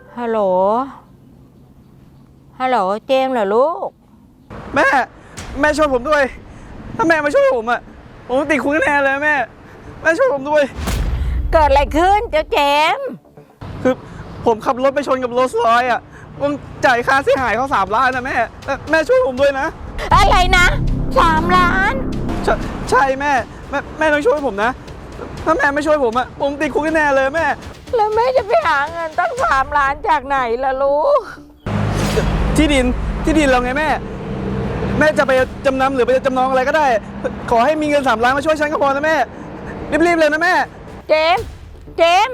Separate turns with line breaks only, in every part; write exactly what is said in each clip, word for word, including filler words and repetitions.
ฮัลโหลฮัลโหลเจมส์เหรอลูก
แม่แม่ช่วยผมด้วยถ้าแม่มาช่วยผมอะผมติดคุกแน่เลยแม่แม่ช่วยผมด้วย
เกิดอะไรขึ้นเจ้าเจมส์
คือผมขับรถไปชนกับโรลส์รอยซ์อะผมจ่ายค่าเสียหายเขาสามล้านนะแม่แม่ช่วยผมด้วยนะ
อะไรนะสามล้าน
ใช่ใช่แม่แม่แม่ต้องช่วยผมนะถ้าแม่ไม่ช่วยผมอะผมติดคุกแน่เลยแม่
แล้วแม่จะไปหาเงินตั้งสามล้านจากไหนล่ะลูก
ที่ดินที่ดินเราไงแม่แม่จะไปจำนำหรือไปจำนองอะไรก็ได้ขอให้มีเงินสามล้านมาช่วยฉันก็พอนะแม่รีบๆเลยนะแม่
เจมส์เจมส์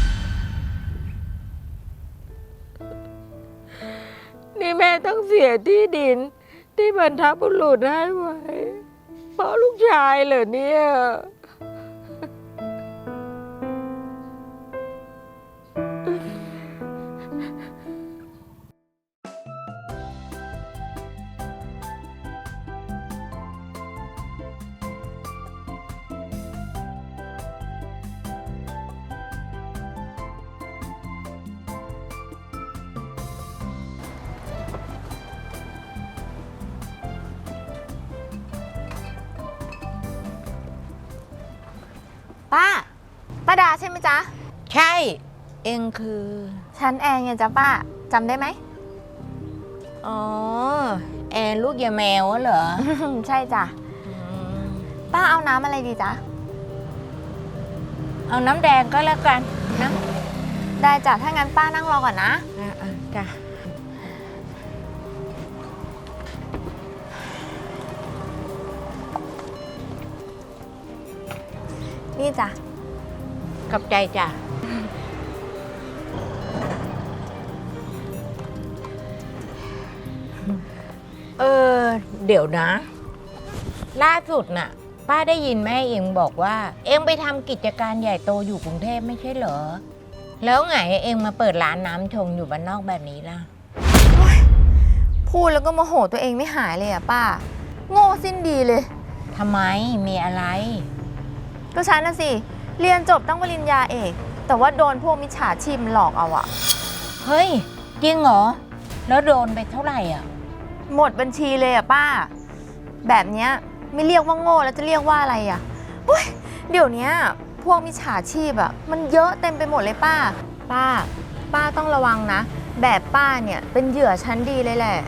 นี่แม่ต้องเสียที่ดินที่บรรพบุรุษให้ไว้เพราะลูกชายเหรอเนี่ย
ป้าป้าดาใช่ไหมจ๊ะ
ใช่เองคือ
ฉันแอนไงจ๊ะป้าจำได้ไหม
อ๋อแอนลูกยาแมวเหรอ
ใช่จ้ะป้าเอาน้ำอะไรดีจ๊ะ
เอาน้ำแดงก็แล้วกันนะ
ได้จ้ะถ้างั้นป้านั่งรอก่อนนะ
อ่าจ้ะ
นี่จ้ะ
ขอบใจจ้ะเออเดี๋ยวนะล่าสุดน่ะป้าได้ยินแม่เองบอกว่าเองไปทำกิจการใหญ่โตอยู่กรุงเทพไม่ใช่เหรอแล้วไงเองมาเปิดร้านน้ำชงอยู่บ้านนอกแบบนี้ล่ะ
พูดแล้วก็โมโหตัวเองไม่หายเลยอ่ะป้าโง่สิ้นดีเลย
ทำไมมีอะไร
ก็ฉันน่ะสิเรียนจบตั้งปริญญาเอกแต่ว่าโดนพวกมิจฉาชีพหลอกเอาอะ
เฮ้ยจริงเหรอแล้วโดนไปเท่าไหร่อ่ะ
หมดบัญชีเลยอะป้าแบบเนี้ยไม่เรียกว่าโง่แล้วจะเรียกว่าอะไรอะเฮ้ยเดี๋ยวนี้พวกมิจฉาชีพอะมันเยอะเต็มไปหมดเลยป้าป้าป้าต้องระวังนะแบบป้าเนี่ยเป็นเหยื่อชั้นดีเลยแหละ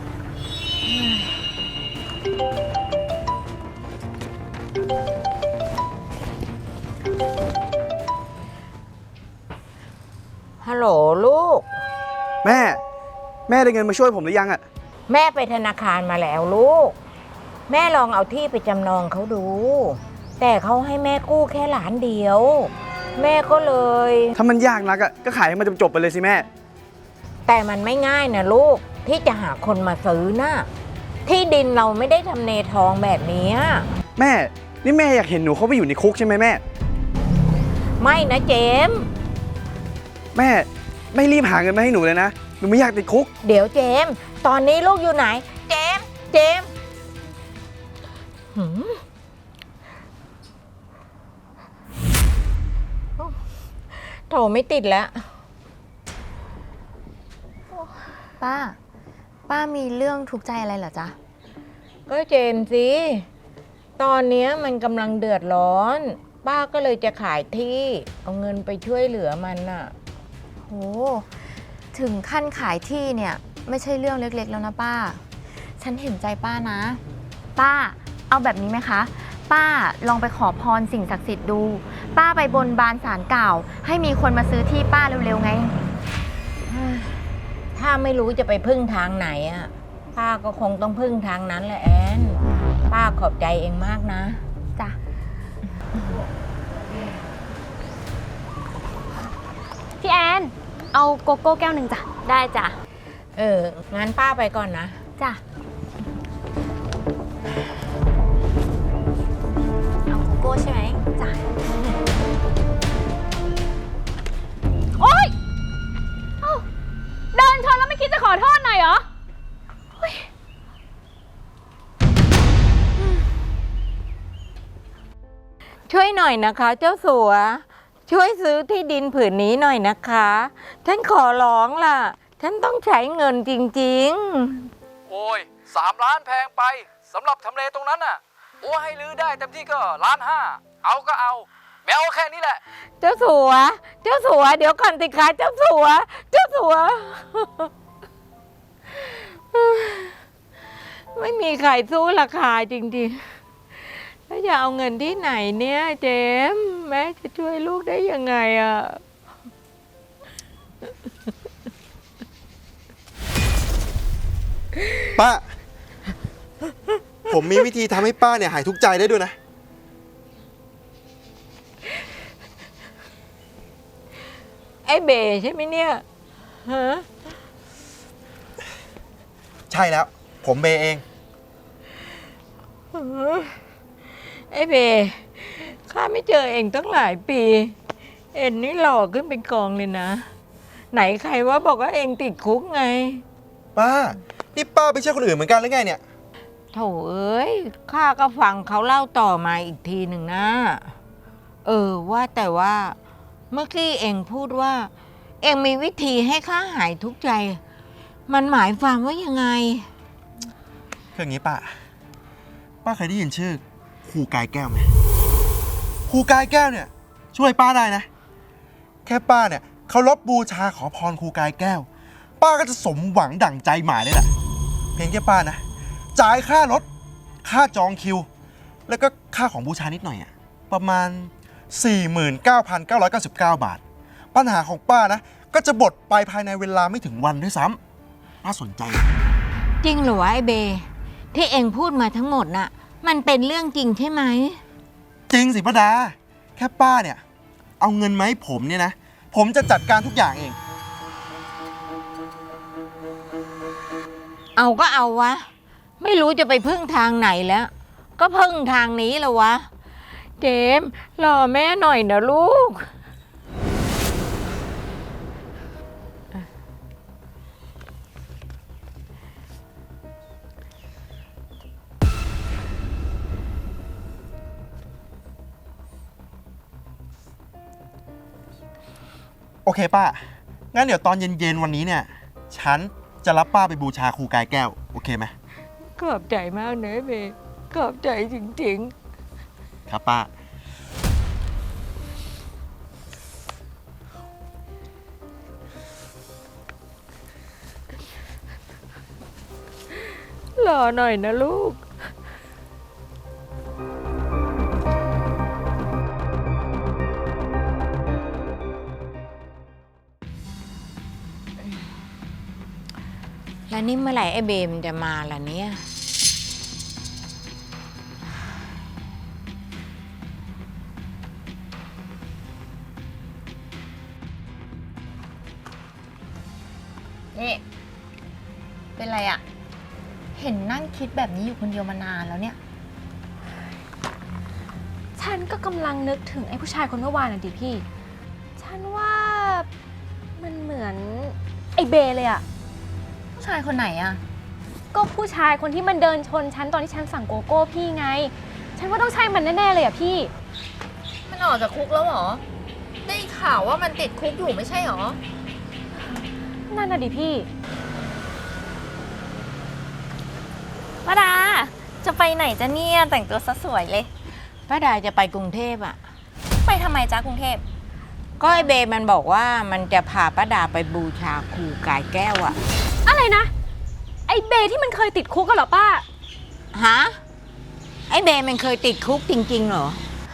ฮัลโหลลูก
แม่แม่ได้เงินมาช่วยผมหรือยังอะ
แม่ไปธนาคารมาแล้วลูกแม่ลองเอาที่ไปจำนองเขาดูแต่เขาให้แม่กู้แค่ล้านเดียวแม่ก็เลย
ถ้ามันยากนักอะก็ขายให้มันจบๆไปเลยสิแม่
แต่มันไม่ง่ายนะลูกที่จะหาคนมาซื้อนะที่ดินเราไม่ได้ทำเลทองแบบนี้
แม่นี่แม่อยากเห็นหนูเขาไปอยู่ในคุกใช่ไหมแม่
ไม่นะเจม
แม่ไม่รีบหาเงินมาให้หนูเลยนะหนูไม่อยากติดคุก
เดี๋ยวเจมตอนนี้ลูกอยู่ไหนเจมเจมโทรไม่ติดแล้ว
ป้าป้ามีเรื่องทุกข์ใจอะไรเหรอจ๊ะ
ก็เจมสิตอนนี้มันกำลังเดือดร้อนป้าก็เลยจะขายที่เอาเงินไปช่วยเหลือมันน่ะ
โหถึงขั้นขายที่เนี่ยไม่ใช่เรื่องเล็กๆแล้วนะป้าฉันเห็นใจป้านะป้าเอาแบบนี้ไหมคะป้าลองไปขอพรสิ่งศักดิ์สิทธิ์ดูป้าไปบนบานศาลกล่าวให้มีคนมาซื้อที่ป้าเร็วๆไง
ถ้าไม่รู้จะไปพึ่งทางไหนอ่ะป้าก็คงต้องพึ่งทางนั้นแหละแอนป้าขอบใจเองมากนะ
จ้ะพี่แอนเอาโกโก้แก้วหนึ่งจ้ะได้จ้ะ
เอองั้นป้าไปก่อนนะ
จ้ะเอาโกโก้ใช่ไหมจ้ะ
โอ๊ยเดินชนแล้วไม่คิดจะขอโทษหน่อยเหรอ
ช่วยหน่อยนะคะเจ้าสัวช่วยซื้อที่ดินผืนนี้หน่อยนะคะ ฉันขอร้องล่ะ ฉันต้องใช้เงินจริง
โอ้ยสามล้านแพงไปสำหรับทำเลตรงนั้นน่ะโอ้ให้ลื้อได้เต็มที่ก็ล้านห้าเอาก็เอาแมวแค่นี้แหละ
ๆ เจ้าสัว เจ้าสัว เดี๋ยวก่อนสิคะเจ้าสัว เจ้าสัว ไม่มีใครสู้ราคาจริงๆ แล้วจะเอาเงินที่ไหนเนี่ยเจมส์แม่จะช่วยลูกได้ยังไงอ่ะ
ป้า ผมมีวิธีทำให้ป้าเนี่ยหายทุกข์ใจได้ด้วยนะ
ไอ้เบใช่ไหมเนี่ยฮะ
ใช่แล้ว ผมเบเอง
ไอ้เบข้าไม่เจอเองตั้งหลายปี เอ็นนี่หล่อขึ้นเป็นกองเลยนะ ไหนใครว่าบอกว่าเองติดคุกไง
ป้า นี่ป้าไม่ใช่คนอื่นเหมือนกันหรือไงเนี่ย
โถเอ้ยข้าก็ฟังเขาเล่าต่อมาอีกทีหนึ่งนะ เออว่าแต่ว่าเมื่อกี้เองพูดว่า เองมีวิธีให้ข้าหายทุกข์ใจ มันหมายความว่ายังไง
คืออย่างนี้ป้า ป้าเคยได้ยินชื่อครูกายแก้วไหมครูกายแก้วเนี่ย ช่วยป้าได้นะ แค่ป้าเนี่ยเคารพบูชาขอพรครูกายแก้ว ป้าก็จะสมหวังดั่งใจหมายเลยแหละเพียงแค่ป้านะ จ่ายค่ารถ ค่าจองคิว แล้วก็ค่าของบูชานิดหน่อยอะประมาณ สี่หมื่นเก้าพันเก้าร้อยเก้าสิบเก้า บาท ปัญหาของป้านะ ก็จะบดไปภายในเวลาไม่ถึงวันด้วยซ้ำน่าสนใจนะ
จริงเหรอวะไอ้เบ ที่เองพูดมาทั้งหมดน่ะ มันเป็นเรื่องจริงใช่ไหม
จริงสิป้าดา แค่ป้าเนี่ย เอาเงินมาให้ผมเนี่ยนะ ผมจะจัดการทุกอย่างเอง
เอาก็เอาวะ ไม่รู้จะไปพึ่งทางไหนแล้ว ก็พึ่งทางนี้แล้ววะ เจมส์รอแม่หน่อยนะลูก
โอเคป้า งั้นเดี๋ยวตอนเย็นๆวันนี้เนี่ย ฉันจะรับป้าไปบูชาครูกายแก้ว โอเคไหม
ขอบใจมากนะไอ้เบ ขอบใจจริง
ครับป้า
ๆ รอหน่อยนะลูก แล้วนี่เมื่อไหร่ไอ้เบมนจะมาล่ะเนี่ย
นี่เป็นไรอะเห็นนั่งคิดแบบนี้อยู่คนเดียวมานานแล้วเนี่ย
ฉันก็กำลังนึกถึงไอ้ผู้ชายคนเมื่อวานน่ะดิพี่ ฉันว่ามันเหมือนไอ้เบเลยอะ
ผู้ชายคนไหนอะ
ก็ผู้ชายคนที่มันเดินชนฉันตอนที่ฉันสั่งโกโก้พี่ไง ฉันว่าต้องใช่มันแน่ๆเลยอะพี่
มันออกจากคุกแล้วเหรอ ได้ข่าวว่ามันติดคุกอยู่ไม่ใช่หรอ
นั่นน่ะดิพี่
ป้าดา จะไปไหนจะเนี่ยแต่งตัวซะสวยเลย
ป้าดาจะไปกรุงเทพอ่ะ
ไปทำไมจ้ากรุงเทพ
ก็ไอเบมันบอกว่ามันจะพาป้าดาไปบูชาครูกายแก้วอ่ะ
อะไรนะ ไอ้เบที่มันเคยติดคุกกันเหรอป้า
ฮะ ไอเบมันเคยติดคุกจริงๆเหรอ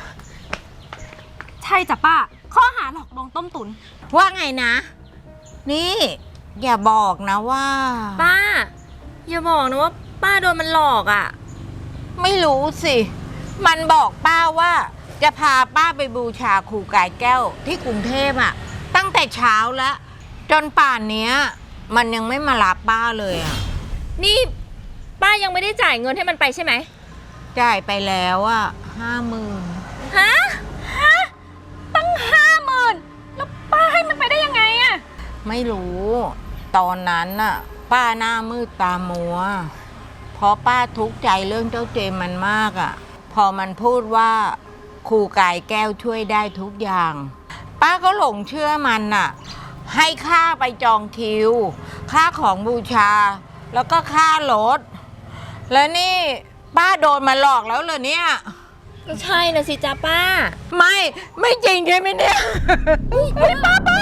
ใช่จ้ะป้า ข้อหาหลอกลวงต้มตุน
ว่าไงนะ นี่ อย่าบอกนะว่า
ป้า อย่าบอกนะว่าป้าโดนมันหลอกอะ่ะ
ไม่รู้สิ มันบอกป้าว่าจะพาป้าไปบูชาครูกายแก้วที่กรุงเทพอ่ะ ตั้งแต่เช้าแล้ว จนป่านเนี้ย มันยังไม่มารับป้าเลยอ่ะ
นี่ป้ายังไม่ได้จ่ายเงินให้มันไปใช่ไหม
จ่ายไปแล้วอ่ะห้าหมื่น
ฮะ
ฮะ ตั้งห้าหมื่นแล้วป้าให้มันไปได้ยังไงอะ
ไม่รู้ ตอนนั้นน่ะ ป้าหน้ามืดตามัว เพราะป้าทุกข์ใจเรื่องเจ้าเจมมันมากอ่ะ พอมันพูดว่าครูกายแก้วช่วยได้ทุกอย่าง ปป้าก็หลงเชื่อมันน่ะ ให้ค่าไปจองคิว ค่าของบูชา แล้วก็ค่ารถ แล้วนี่ป้าโดนมาหลอกแล้วเหรอเนี่ย
ก็ใช่นะสิจ้าป้า
ไม่ไม่จริงใช่ไหมเนี่ยไม่ป้าป้า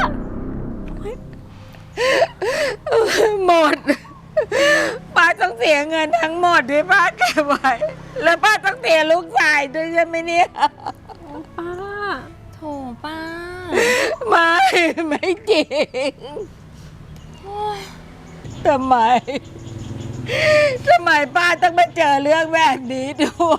หมด ป้าต้องเสียเงินทั้งหมดที่ป้าเก็บไว้แล้วป้าต้องเสียลูกชายด้วยใช่ไหมเนี่ย
ป้า โถป้า
ไม่ไม่จริงทำไมทำไมป้าต้องมาเจอเรื่องแบบนี้ด้วย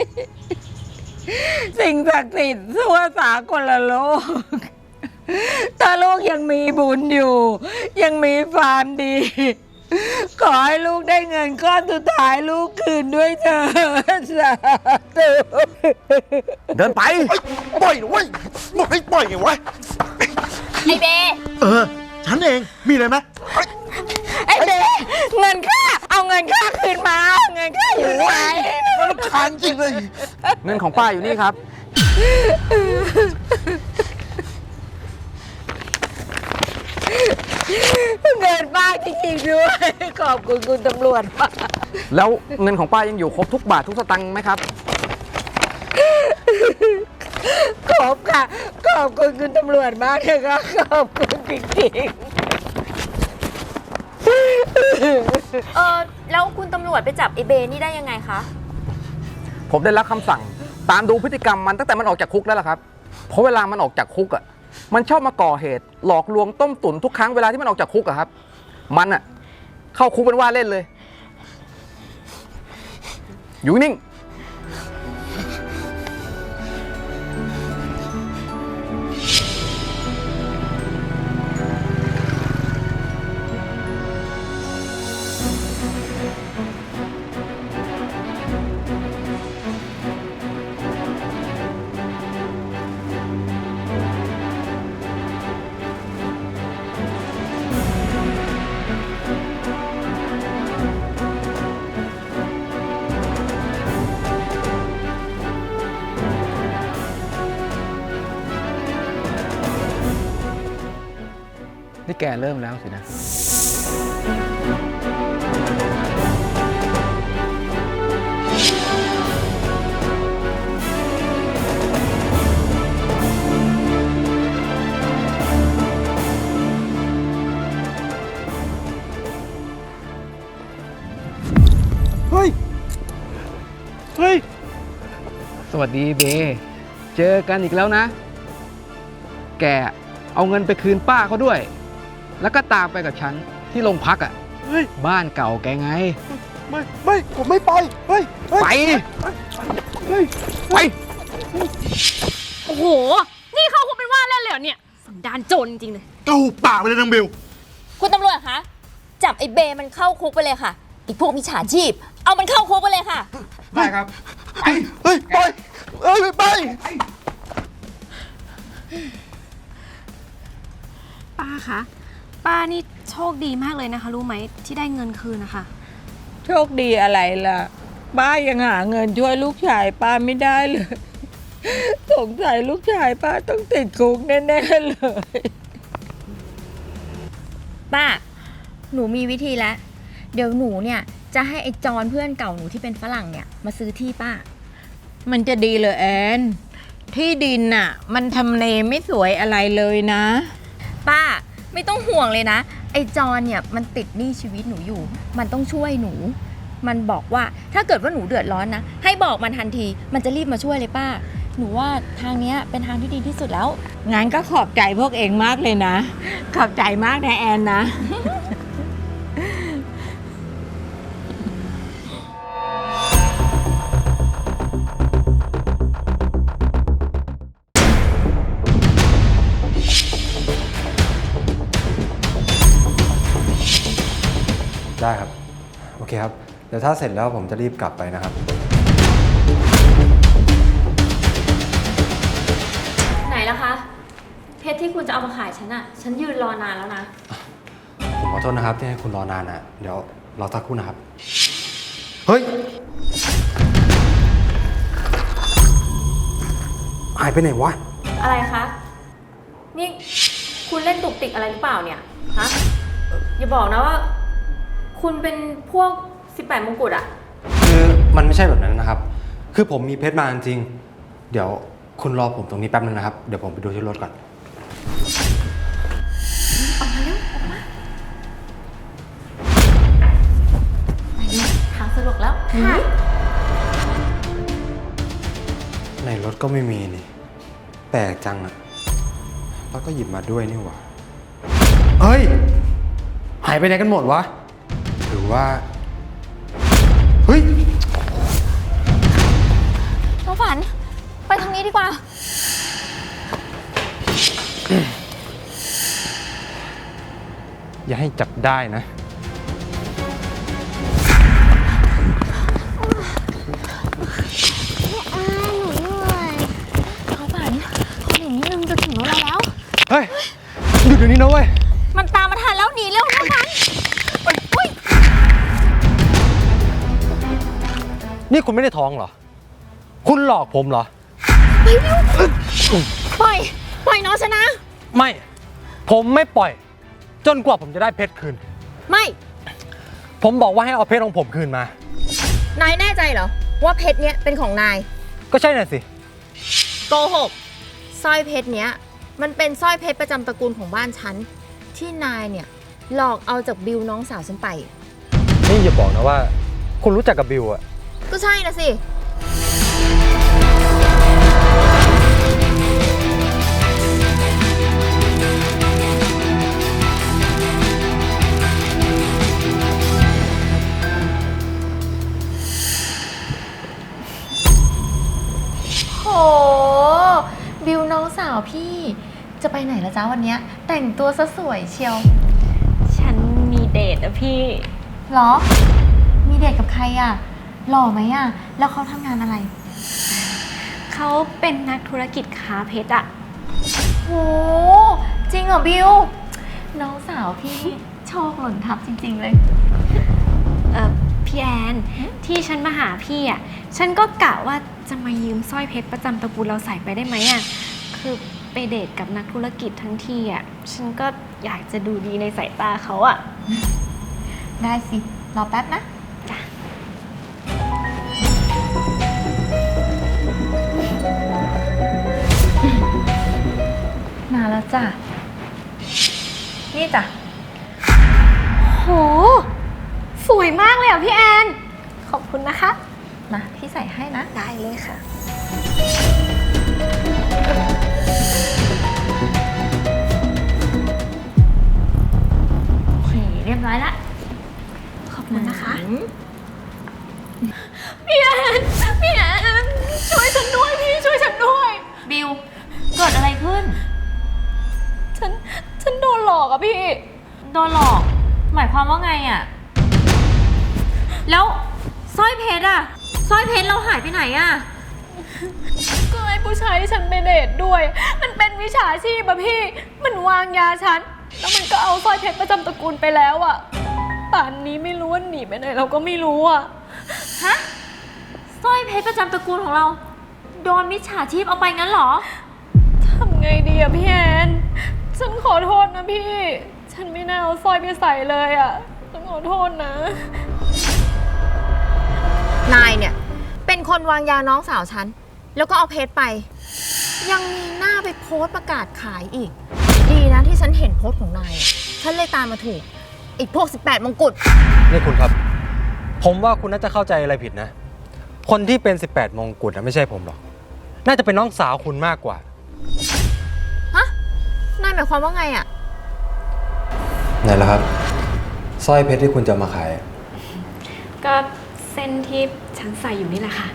สิ่งศักดิ์สิทธิ์ทั่วสากลโลก ถ้าลูกยังมีบุญอยู่ ยังมีความดี ขอให้ลูกได้เงินก้อนสุดท้ายลูกคืนด้วยเถิดสาธุ
เดินไป
ปล่อยนะเว้ยบอกให้ปล่อยไงวะ
ไอเบ
เออ ฉันเอง มีอะไรไหม
ไอ้เด็เงินค่าเอาเงินค่าคืนมาเอาเงินค่าอยู่ไหน
รำคาญจริงเลย
เงินของป้าอยู่นี่ครับ
เงินป้าจริงๆด้วยขอบคุณคุณตำรวจมาก
แล้วเงินของป้ายังอยู่ครบทุกบาททุกสตังค์ไหมครับ
ขอบค่ะขอบคุณคุณตำรวจมากเลยค่ะขอบคุณจริง
เออแล้วคุณตำรวจไปจับไอเบนี่ได้ยังไงคะ
ผมได้รับคำสั่งตามดูพฤติกรรมมันตั้งแต่มันออกจากคุกแล้วล่ะครับ เพราะเวลามันออกจากคุกอ่ะ มันชอบมาก่อเหตุ หลอกลวงต้มตุ๋นทุกครั้งเวลาที่มันออกจากคุกอะครับ มันอ่ะเข้าคุกเป็นว่าเล่นเลย อยู่นิ่ง นี่แกเริ่มแล้วสินะ
เฮ้ย เฮ้ย
สวัสดีเบ เจอกันอีกแล้วนะ แกเอาเงินไปคืนป้าเขาด้วย แล้วก็ตามไปกับฉันที่โรงพักอ่ะ
เฮ้ย
บ้านเก่าแกไง
ไม่ ไม่ ผมไม่ไป เฮ้ยเฮ้ย
ไป
เฮ้ย
ไป
โอ้โห นี่เขาคงเป็นว่าเล่นเลยเหรอเนี่ยสันดานโจรจริงๆเลย
เกาปากไปเลยนางบิว
คุณตำรวจคะ จับไอเบมันเข้าคุกไปเลยค่ะไอพวกมิจฉาชีพ เอามันเข้าคุกไปเลยค่ะ
ได้ครับ ไป
เฮ้ย ไป เฮ้ย ไป
ป้าคะ ป้านี่โชคดีมากเลยนะคะ รู้ไหมที่ได้เงินคืนนะคะ
ๆโชคดีอะไรล่ะ ป้ายังหาเงินช่วยลูกชายป้าไม่ได้เลย สงสัยลูกชายป้าต้องติดคุกแน่ๆเลย
ป้า หนูมีวิธีแล้ว เดี๋ยวหนูเนี่ยจะให้ไอจอนเพื่อนเก่าหนูที่เป็นฝรั่งเนี่ยมาซื้อที่ป้า
มันจะดีเลยแอน ที่ดินน่ะ มันทำเลไม่สวยอะไรเลยนะ
ป้าไม่ต้องห่วงเลยนะ ไอจอนเนี่ยมันติดหนี้ชีวิตหนูอยู่ มันต้องช่วยหนู มันบอกว่าถ้าเกิดว่าหนูเดือดร้อนนะ ให้บอกมันทันที มันจะรีบมาช่วยเลยป้า หนูว่าทางเนี้ยเป็นทางที่ดีที่สุดแล้ว
งั้นก็ขอบใจพวกเองมากเลยนะ ขอบใจมากนะแอนนะ
ได้ครับ โอเคครับ เดี๋ยวถ้าเสร็จแล้วผมจะรีบกลับไปนะครับ
ไหนล่ะคะ เพชรที่คุณจะเอามาขายฉันอะฉันยืนรอนานแล้วนะ
ผมขอโทษนะครับที่ให้คุณรอนานนะเดี๋ยวรอสักครู่นะครับ เฮ้ย หายไปไหนวะ
อะไรคะนี่คุณเล่นตุกติกอะไรหรือเปล่าเนี่ย ฮะ อย่าบอกนะว่า คุณเป็นพวกสิบแปดมงกุฎอะ
คือมันไม่ใช่แบบนั้นนะครับ คือผมมีเพชรมาจริงๆเดี๋ยวคุณรอผมตรงนี้แป๊บนึงนะครับ เดี๋ยวผมไปดูที่รถก่อน
ออกมาเร็วออกมาไปดูทางสะดวกแล้ว ค่ะ
ในรถก็ไม่มีนี่ แปลกจังอะแล้วก็หยิบมาด้วยนี่หว่า เฮ้ย หายไปไหนกันหมดวะ หรือว่า เฮ้ย
น้องฝัน ไปทางนี้ดีกว่า
อย่าให้จับได้นะ
น้องฝันขอหนีนิดนึงจะถึงรถเราแล้ว
เฮ้ย หยุดเดี๋ยวนี้นะเว้ย
มันตามมาทันแล้วหนีเร็วน้องฝันอุ้ย
นี่คุณไม่ได้ท้องเหรอ คุณหลอกผมเหรอ
ปล่อย ปล่อยน้องชนะ
ไม่ ผมไม่ปล่อย จนกว่าผมจะได้เพชรคืน
ไม่
ผมบอกว่าให้เอาเพชรของผมคืนมา
นายแน่ใจเหรอ ว่าเพชรเนี้ยเป็นของนาย
ก็ใช่น่ะสิ
โกหกสร้อยเพชรเนี้ยมันเป็นสร้อยเพชรประจำตระกูลของบ้านฉัน ที่นายเนี่ยหลอกเอาจากบิวน้องสาวฉันไป
นี่อย่าบอกนะว่า คุณรู้จักกับบิวอะ
ก็ใช่นะสิ โห บิวน้องสาวพี่จะไปไหนละจ้าวันเนี้ยแต่งตัวซะสวยเชียว
ฉันมีเดทอะพี่
เหรอ มีเดทกับใครอ่ะ หล่อไหมอ่ะ แล้วเขาทำงานอะไร
เขาเป็นนักธุรกิจค้าเพชรอะ
โห จริงเหรอบิว น้องสาวพี่โชคหล่นทับจริงๆเลย
เออพี่แอน ที่ฉันมาหาพี่อะฉันก็กะว่าจะมายืมสร้อยเพชรประจำตระกูลเราใส่ไปได้ไหมอะคือไปเดทกับนักธุรกิจทั้งทีอะฉันก็อยากจะดูดีในสายตาเขาอะ
ได้สิ รอแป๊บนะ
จ้ะ
มาแล้วจ้ะ นี่จ้ะ
โห สวยมากเลยอ่ะพี่แอน ขอบคุณนะคะ
มาพี่ใส่ให้นะ
ได้เลยค่ะ
โอเค เรียบร้อยละ
ขอบคุณนะคะ พี่แอน พี่แอน ช่วยฉันด้วยพี่ช่วยฉันด้วย
บิว เกิดอะไรขึ้น
ฉัน ฉันโดนหลอกอะพี่
โดนหลอก หมายความว่าไงอ่ะ แล้วสร้อยเพชรอ่ะสร้อยเพชรเราหายไปไหนอ่ะ
ก็ไอ้ผู้ชายที่ฉันไปเดทด้วย มันเป็นวิชาชีพอะพี่ มันวางยาฉัน แล้วมันก็เอาสร้อยเพชรประจำตระกูลไปแล้วอะป่านนี้ไม่รู้ว่าหนีไปไหนเราก็ไม่รู้อะ
ฮะสร้อยเพชรประจำตระกูลของเรา โดนมิจฉาชีพเอาไปงั้นเหรอ
ทำไงดีอะพี่แอน ฉันขอโทษนะพี่ ฉันไม่น่าเอาสร้อยไปใส่เลยอะฉันขอโทษนะ
นายเนี่ย เป็นคนวางยาน้องสาวฉัน แล้วก็เอาเพชรไป ยังมีหน้าไปโพสต์ประกาศขายอีก ดีนะที่ฉันเห็นโพสต์ของนายอะฉันเลยตามมาถูก อีกพวกสิบแปดมงกุฎ
นี่คุณครับ ผมว่าคุณน่าจะเข้าใจอะไรผิดนะ คนที่เป็น สิบแปด มงกุฎนะไม่ใช่ผมหรอก น่าจะเป็นน้องสาวคุณมากกว่า
ฮะ นายหมายความว่าไงอ่ะ
ไหนล่ะครับ สร้อยเพชรที่คุณจะมาขาย
ก็เส้นที่ฉันใส่อยู่นี่แหละค่ะ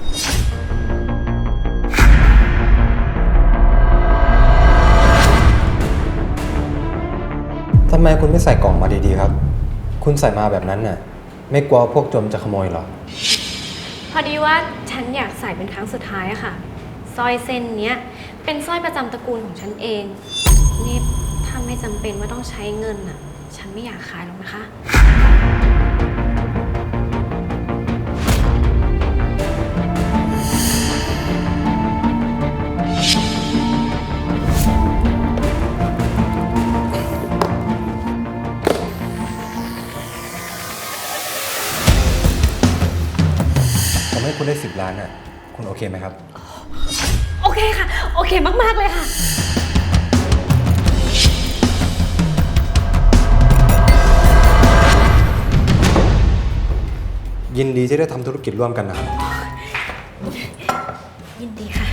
ทำไมคุณไม่ใส่กล่องมาดีๆครับ คุณใส่มาแบบนั้นน่ะ ไม่กลัวพวกโจรจะขโมยหรอ
พอดีว่าฉันอยากใส่เป็นครั้งสุดท้ายอะค่ะ สร้อยเส้นเนี้ยเป็นสร้อยประจำตระกูลของฉันเอง นี่ถ้าไม่จำเป็นว่าต้องใช้เงินอะฉันไม่อยากขายหรอกนะคะ
ได้สิบล้านน่ะคุณโอเคไหมครับ
โอเคค่ะ โอเคมากๆเลยค่ะ
ยินดีที่ได้ทำธุรกิจร่วมกันนะครับ
ยินดีค่ะ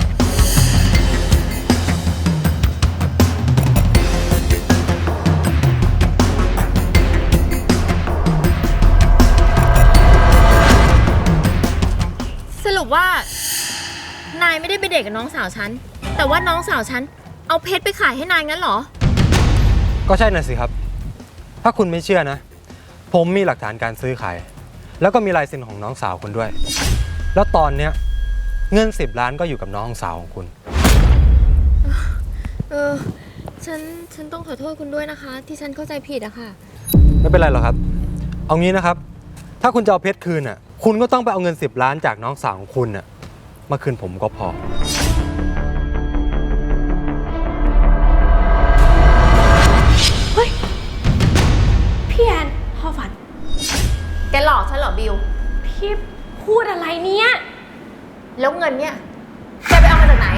สรุปว่า นายไม่ได้ไปเดทกับน้องสาวฉัน แต่ว่าน้องสาวฉันเอาเพชรไปขายให้นายงั้นเหรอ
ก็ใช่น่ะสิครับ ถ้าคุณไม่เชื่อนะ ผมมีหลักฐานการซื้อขาย แล้วก็มีลายเซ็นของน้องสาวคุณด้วย แล้วตอนเนี้ยเงินสิบล้านก็อยู่กับน้องสาวของคุณ
เออ ฉัน ฉันต้องขอโทษคุณด้วยนะคะ ที่ฉันเข้าใจผิดอะค่ะ
ไม่เป็นไรหรอกครับ เอางี้นะครับ ถ้าคุณจะเอาเพชรคืนน่ะ คุณก็ต้องไปเอาเงินสิบล้านจากน้องสาวของคุณน่ะมาคืนผมก็พอ
พี่แอนพ่อฝัน
แกหลอกฉันเหรอบิว
พี่พูดอะไรเนี่ย
แล้วเงินเนี่ย แกไปเอามาจากไหน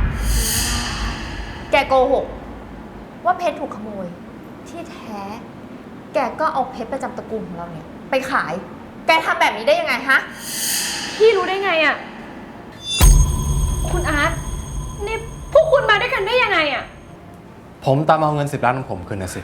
แกโกหกว่าเพชรถูกขโมย ที่แท้ แกก็เอาเพชรประจำตระกูลของเราเนี่ย ไปขาย แกทำแบบนี้ได้ยังไงฮะ
พี่รู้ได้ไงอะ คุณอาร์ตนี่พวกคุณมาด้วยกันได้ยังไงอะ
ผมตามเอาเงินสิบล้านของผมคืนนะสิ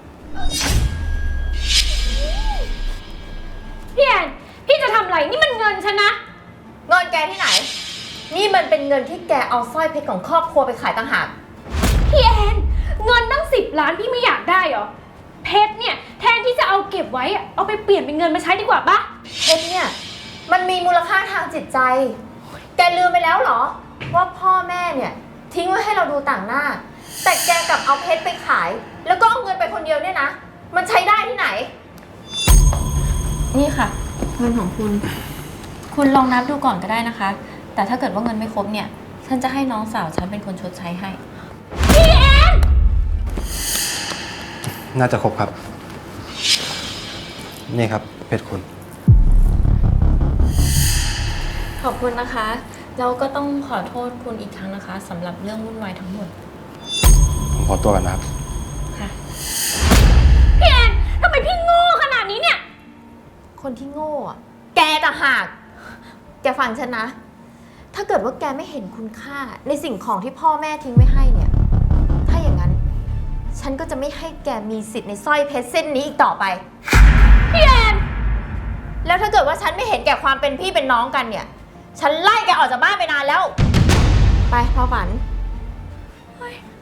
พี่แอน พี่จะทำอะไร นี่มันเงินฉันนะ
เงินแกที่ไหน นี่มันเป็นเงินที่แกเอาสร้อยเพชรของครอบครัวไปขายต่างหาก
พี่แอนเงินตั้งสิบล้านพี่ไม่อยากได้เหรอ เพชรเนี่ยแทนที่จะเอาเก็บไว้อะเอาไปเปลี่ยนเป็นเงินมาใช้ดีกว่าปะ
เพชรเนี่ย มันมีมูลค่าทางจิตใจ แกลืมไปแล้วเหรอ ว่าพ่อแม่เนี่ย ทิ้งไว้ให้เราดูต่างหน้า แต่แกกลับเอาเพชรไปขาย แล้วก็เอาเงินไปคนเดียวเนี่ยนะ มันใช้ได้ที่ไหน นี่ค่ะ เงินของคุณ คุณลองนับดูก่อนก็ได้นะคะ แต่ถ้าเกิดว่าเงินไม่ครบเนี่ย ฉันจะให้น้องสาวฉันเป็นคนชดใช้ให้
น่าจะครบครับ นี่ครับเพชรคุณ
ขอบคุณนะคะ แล้วก็ต้องขอโทษคุณอีกครั้งนะคะสำหรับเรื่องวุ่นวายทั้งหมด
ผมขอตัวกันนะครับ
ค่ะ
พี่แอนทำไมพี่โง่ขนาดนี้เนี่ย
คนที่โง่อะแกต่างหาก แกฟังฉันนะ ถ้าเกิดว่าแกไม่เห็นคุณค่าในสิ่งของที่พ่อแม่ทิ้งไว้ให้เนี่ย ถ้าอย่างนั้น ฉันก็จะไม่ให้แกมีสิทธิ์ในสร้อยเพชรเส้นนี้อีกต่อไป
พี่แอน
แล้วถ้าเกิดว่าฉันไม่เห็นแก่ความเป็นพี่เป็นน้องกันเนี่ย ฉันไล่แกออกจากบ้านไปนานแล้ว ไปพ่อฝัน